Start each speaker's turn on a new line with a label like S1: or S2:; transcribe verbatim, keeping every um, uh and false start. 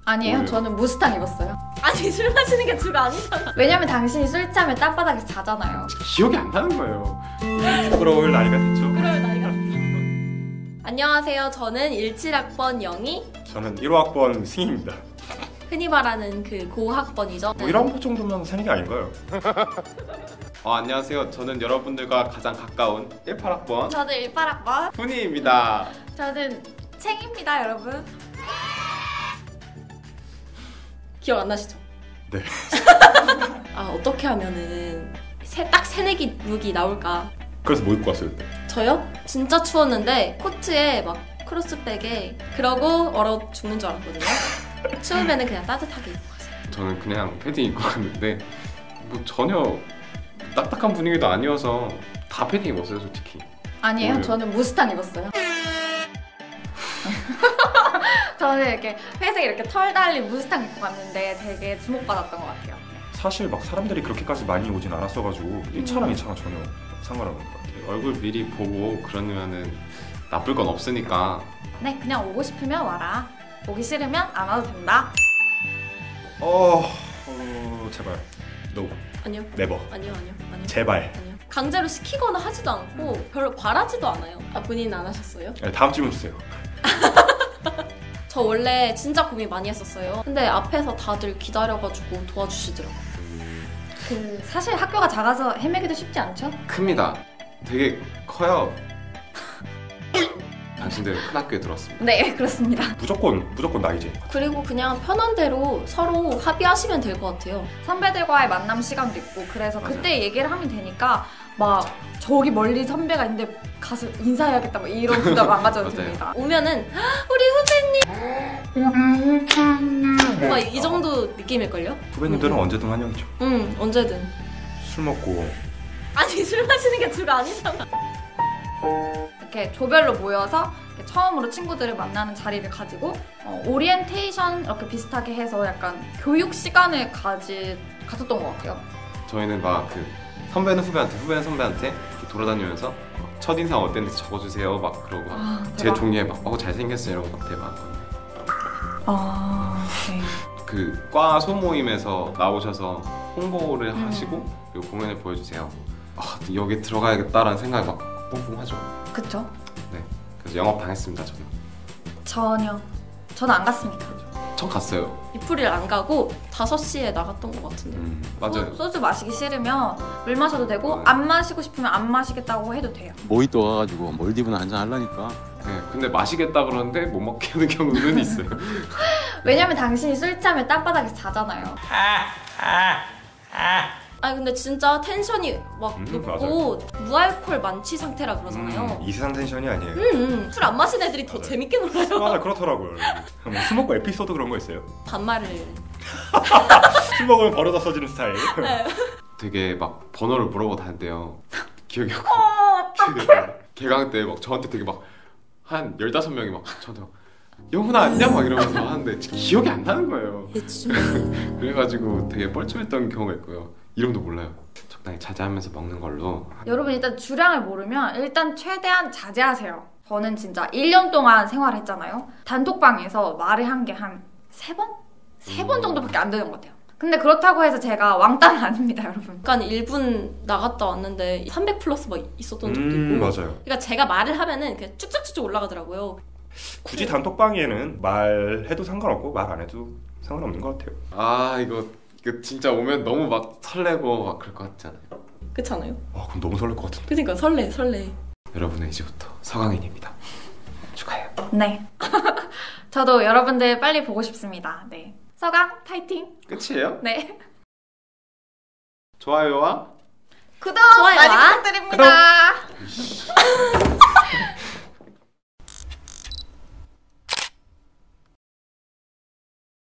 S1: 아니에요.
S2: 뭐예요?
S1: 저는 무스탕 입었어요.
S3: 아니 술 마시는 게 주가 아니잖아.
S1: 왜냐면 당신이 술 취하면 땅바닥에서 자잖아요.
S2: 기억이 안 나는 거예요. 부끄러울 나이가 됐죠.
S3: 그럴 나이가. 안녕하세요. 저는 일칠 학번 영희.
S2: 저는 일 호 학번 승희입니다.
S3: 흔히 말하는 그 고학번이죠.
S2: 뭐 일 학번 정도면 새는 게 아닌가요?
S4: 어, 안녕하세요. 저는 여러분들과 가장 가까운 일팔 학번
S1: 저는 일팔 학번.
S4: 훈이입니다.
S1: 저는 챙입니다, 여러분.
S3: 기억 안 나시죠?
S2: 네.
S3: 아 어떻게 하면은 새, 딱 새내기 룩이 나올까?
S2: 그래서 뭐 입고 왔어요 그때?
S3: 저요? 진짜 추웠는데 코트에 막 크로스백에 그러고 얼어 죽는 줄 알았거든요. 추우면은 그냥 따뜻하게 입고 갔어요.
S4: 저는 그냥 패딩 입고 갔는데 뭐 전혀 딱딱한 분위기도 아니어서 다 패딩 입었어요, 솔직히.
S1: 아니에요.
S4: 뭐예요?
S1: 저는 무스탕 입었어요. 저는 이렇게 회색 이렇게 털 달린 무스탕 입고 갔는데 되게 주목받았던 것 같아요.
S2: 사실 막 사람들이 그렇게까지 많이 오진 않았어가지고 일 차랑 이 차랑 전혀 상관없는 것 같아요.
S4: 얼굴 미리 보고 그러면은 나쁠 건 없으니까.
S1: 네, 그냥 오고 싶으면 와라. 오기 싫으면 안 와도 된다.
S2: 어... 어... 제발 No.
S3: 아니요.
S2: 네버.
S3: 아니요, 아니요, 아니요.
S2: 제발.
S3: 아니요. 강제로 시키거나 하지도 않고 별로 바라지도 않아요. 아 본인은 안 하셨어요?
S2: 네, 다음 질문 주세요.
S3: 저 원래 진짜 고민 많이 했었어요. 근데 앞에서 다들 기다려가지고 도와주시더라고요.
S1: 그 사실 학교가 작아서 헤매기도 쉽지 않죠?
S4: 큽니다. 되게 커요. 당신들 큰 학교에 들어왔습니다.
S1: 네, 그렇습니다.
S2: 무조건 무조건 나이제.
S3: 그리고 그냥 편한 대로 서로 합의하시면 될 것 같아요.
S1: 선배들과의 만남 시간도 있고 그래서
S4: 맞아요.
S1: 그때 얘기를 하면 되니까 막 저기 멀리 선배가 있는데 가서 인사해야겠다 막 이런 부담 안 가져도
S4: 맞아요.
S1: 됩니다.
S3: 오면은 우리 후배님 막 이 정도 느낌일걸요?
S2: 후배님들은 언제든 환영이죠.
S3: 응 언제든.
S2: 술 먹고
S3: 아니 술 마시는 게 주가 아니잖아.
S1: 이렇게 조별로 모여서 이렇게 처음으로 친구들을 만나는 자리를 가지고 어, 오리엔테이션 이렇게 비슷하게 해서 약간 교육 시간을 가지 가졌던 것 같아요.
S4: 저희는 막 그 선배는 후배한테, 후배는 선배한테 이렇게 돌아다니면서 막 첫인상 어땠는지 적어주세요 막 그러고
S1: 아,
S4: 제
S1: 대박.
S4: 종이에 막 어 잘생겼어요 이런 거 대박.
S1: 아, 네.
S4: 그 과 소모임에서 나오셔서 홍보를
S1: 음.
S4: 하시고 그리고 공연을 보여주세요. 아 여기 들어가야겠다라는 생각이 막 뿡뿡하죠.
S1: 그쵸?
S4: 네. 그래서 영업 당했습니다 저는.
S1: 전혀. 저는 안 갔습니다.
S4: 전 갔어요.
S3: 이프릴 안 가고 다섯 시에 나갔던 것 같은데.
S4: 음 맞아요.
S1: 소, 소주 마시기 싫으면 물 마셔도 되고
S4: 네.
S1: 안 마시고 싶으면 안 마시겠다고 해도 돼요.
S5: 모히또 와가지고 몰디브나 한잔 하려니까
S4: 네. 근데 마시겠다 그러는데 못 먹게 하는 경우는 있어요.
S1: 왜냐면 당신이 술 취하면 땅바닥에서 자잖아요.
S3: 아 근데 진짜 텐션이 막
S2: 음,
S3: 높고 무알콜 만취 상태라 그러잖아요.
S2: 음, 이 세상 텐션이 아니에요.
S3: 음, 술 안 마신 애들이 더
S2: 맞아요.
S3: 재밌게 놀아요.
S2: 맞아 그렇더라고요. 뭐 술 먹고 에피소드 그런 거 있어요?
S3: 반말을.
S2: 술 먹으면 버릇 없어지는 스타일.
S3: 네.
S4: 되게 막 번호를 물어보고 다닌대요. 기억이 안
S1: 어,
S4: 나. 개강 때 막 저한테 되게 막 한 열다섯 명이 막 저한테 막 영훈아 안녕 막 이러면서 하는데 기억이 안 나는 거예요. 그래가지고 되게 뻘쭘했던 경우가 있고요. 이름도 몰라요. 적당히 자제하면서 먹는 걸로.
S1: 여러분 일단 주량을 모르면 일단 최대한 자제하세요. 저는 진짜 일 년 동안 생활했잖아요. 단톡방에서 말을 한 게 한 세 번? 세 번 정도밖에 안 되는 것 같아요. 근데 그렇다고 해서 제가 왕따는 아닙니다, 여러분.
S3: 약간 일 분 나갔다 왔는데 삼백 플러스 막 있었던 적도
S2: 음
S3: 있고.
S2: 맞아요.
S3: 그러니까 제가 말을 하면은 그냥 쭉쭉쭉쭉 올라가더라고요.
S2: 굳이 단톡방에는 말해도 상관없고 말 안 해도 상관없는 것 같아요.
S4: 아 이거 이거 진짜 오면 너무 막 설레고 막 그럴 것 같잖아요.
S3: 그렇잖아요.
S2: 아 그럼 너무 설렐 것 같은데.
S3: 그러니까 설레 설레.
S4: 여러분은 이제부터 서강인입니다. 축하해요.
S1: 네. 저도 여러분들 빨리 보고 싶습니다. 네. 서강 파이팅.
S4: 끝이에요?
S1: 네.
S4: 좋아요와
S1: 구독
S3: 좋아요와
S1: 많이 부탁드립니다.